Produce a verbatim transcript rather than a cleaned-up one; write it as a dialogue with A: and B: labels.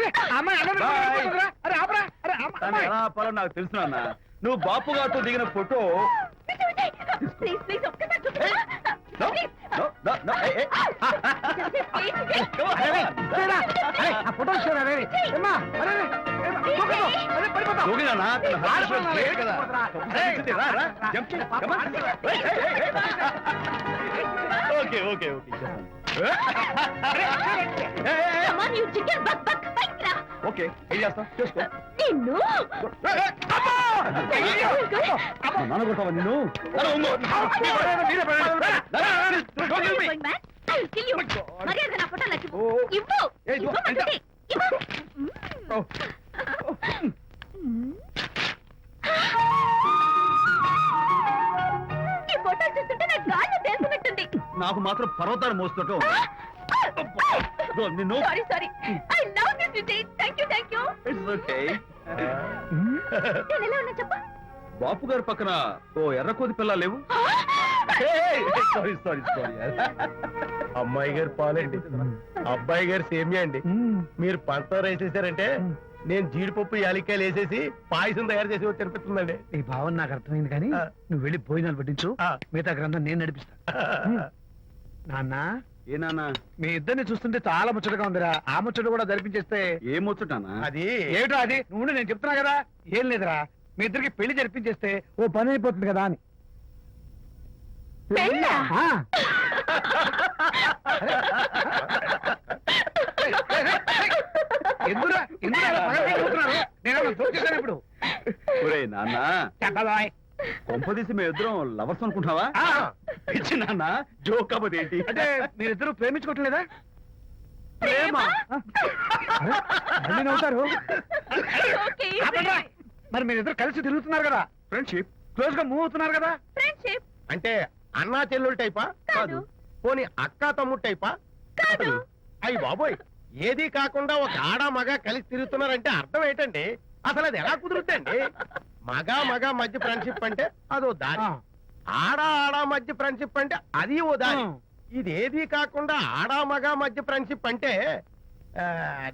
A: ఎలా ఆపాలో నాకు తెలుసు నాన్న. నువ్వు బాపు గారితో దిగిన photo okay okay okay okay ఏం చేస్తావు చేసుకో. నాన్న కొట్టావా నిన్ను? నాకు మాత్రం పర్వతాలు మోస్తుంటూ నిన్ను బాపు గారి పక్కన ఓ ఎర్రకోతి పిల్ల లేవు. సారీ సారీ సారీ
B: అమ్మాయి గారు పాలండి, అబ్బాయి గారు సేమియా అండి. మీరు పంచదార వేసేసారంటే నేను జీడిపప్పు యాలిక్కాయలు వేసేసి పాయసం తయారు చేసి తినిపిస్తుందండి.
C: నీ భావన నాకు అర్థమైంది, కానీ నువ్వు వెళ్ళి భోజనాలు పట్టించు, మిగతా గ్రంథం నేను నడిపిస్తా. నాన్న
A: ఏ నాన్న,
C: మీ ఇద్దరిని చూస్తుంటే చాలా ముచ్చటగా ఉందిరా. ఆ ముచ్చట కూడా జరిపించేస్తే.
A: ఏ ముచ్చటానా?
C: అది ఏమిటో అది నువ్వు నేను చెప్తున్నా కదా. ఏం లేదురా, మీ ఇద్దరికి పెళ్లి జరిపించేస్తే ఓ పని అయిపోతుంది కదా అని. ఎందురా ఎందుకు నేను చూసేసాను ఇప్పుడు.
A: ఒరేయ్ నాన్న,
C: చెప్పబాయ్,
A: కొంపదీసి మేము ఇద్దరం లవర్స్ అనుకుంటావా? ఇచ్చి నాన్న జోక్ కాకపోతే ఏంటి
C: అంటే మీరిద్దరు ప్రేమించుకోవట్లేదా?
A: ప్రేమ
C: మళ్ళీ నవ్వుతారు. మరి మీరిద్దరు కలిసి తిరుగుతున్నారు కదా,
A: ఫ్రెండ్షిప్,
C: క్లోజ్ గా మూవ్ అవుతున్నారు కదా.
D: ఫ్రెండ్షిప్
B: అంటే అన్నా చెల్లెలు టైపా?
D: కాదు.
B: పోనీ అక్కా తమ్ముడు టైపా?
D: కాదు.
B: అయ్యి బాబోయ్, ఏది కాకుండా ఒక ఆడ మగ కలిసి తిరుగుతున్నారంటే అర్థం ఏంటండి? అసలు అది ఎలా కుదురుద్దండి? మగ మగ మధ్య ఫ్రెండ్షిప్ అంటే అదో దారి, ఆడ ఆడ మధ్య ఫ్రెండ్షిప్ అంటే అది ఓ దారి. ఇది ఏది కాకుండా ఆడ మగ మధ్య ఫ్రెండ్షిప్ అంటే